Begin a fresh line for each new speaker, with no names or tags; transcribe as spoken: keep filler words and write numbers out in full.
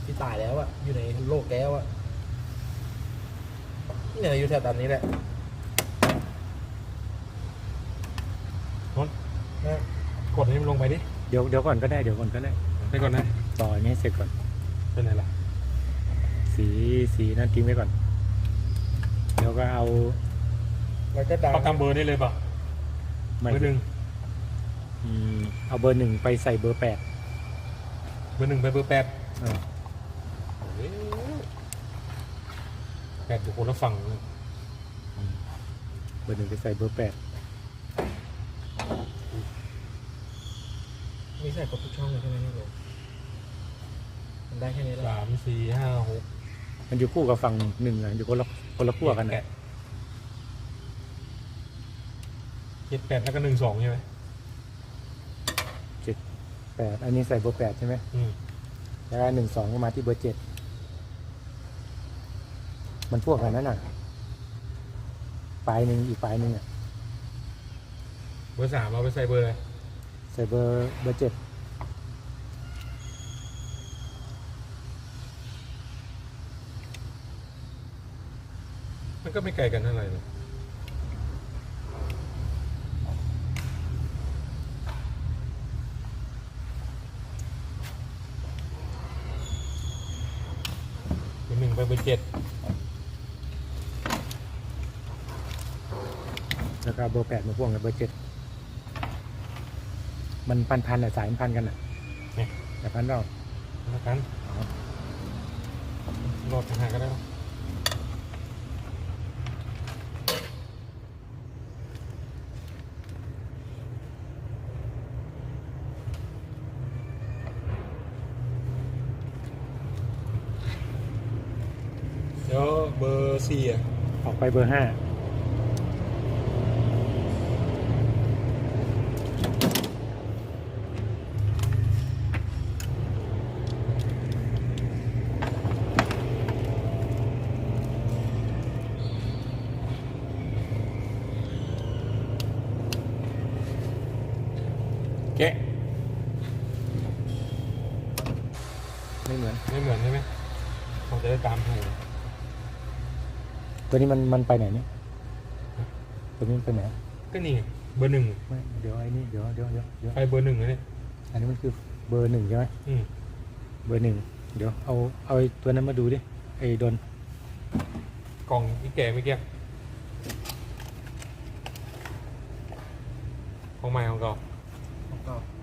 ที่ตายแล้วอะอยู่ในโลกแก้วอะเนี่ยอยู่แถวตามนี้แหละ
นนท์กดให้มันลงไปดิ
เดี๋ยวเดี๋ยวก่อนก็ได้เดี๋ยวก่อนก็ได้
ไปก่อนนะ
ต่ออันนี้เสร็จก่อน
เป็นไงล่ะ
สีสีนั่นทิ้งไว้ก่อนเดี๋ยวก็เอา
มันก็ดัง
ประกำเบอร์ได้เลยเปล่ะ
ไม่
เบอร์หนึ่ง
อืมเอาเบอร์หนึ่งไปใส่เบอร์แปด
เบอร์หนึ่งไปเบอร์แปด
เออ
เอ๊ะแปดอยู่คนละฝั่งเลย
เบอร์หนึ่งไปใส่เบอร์แปด
มีใส่ครบทุกช่องเลยใช่ไหมนี่โยมันได้แค่นี้แล้ว
สามสี่ห้าหก
มันอยู่คู่กับฝั่งหนึ่งอะอยู่คนละคนละขั้วกัน
แป
นะ
ดเจ็ดแปดแล้วก็หนึ่งสองใช่ไหม
เจ็ดแปดอันนี้ใส่เบอร์แปดใช่ไหม
อืม
แล้วก็หนึ่งสองก็มาที่เบอร์เจ็ดมันพวกกันนั่นน่ะปลายหนึ่งอีกปลายหนึ่งอ่ะ
เบอร์สามเอาไปใส่เบอร์อะไร
ใส่เบอร์เบอร์เจ็ด
มันก็ไม่ไกลกันเท่าไหร่เลยเบอร์หนึ่งไปเบอร์เจ็ด
แล้วก็เบอร์แปดมาพ่วงกับเบอร์เจ็ดมันพันพันอ่ะสายมันพันกันอ่ะ
เนี่ย
แต่พันเรา
แล้วกันโหลดทางหาก็ได้ปะเดี๋ยวเบอร์สี่อ่ะ
ออกไปเบอร์ห้า
แกะ
ไม่เหมือน
ไม่เหมือนใช่ไหมเราจะได้ตามถูก
ตัวนี้มันมันไปไหนเนี่ยตัวนี้มันไปไหน
ก็นี่ไงเบอร์หนึ่ง
ไม่เดี๋ยวไอ้นี่เดี๋ยวเดี๋ยวเดี๋ยวเดี๋ยว
ไปเบอร์หนึ่งเลยเนี่ย
อันนี้มันคือเบอร์หนึ่งใช่ไหม
อืม
เบอร์หนึ่งเดี๋ยวเอาเอาไอ้ตัวนั้นมาดูดิไอ้โดน
กล่องอีแก่เมื่อกี้ของใหม่ของเก่า
ของเก่า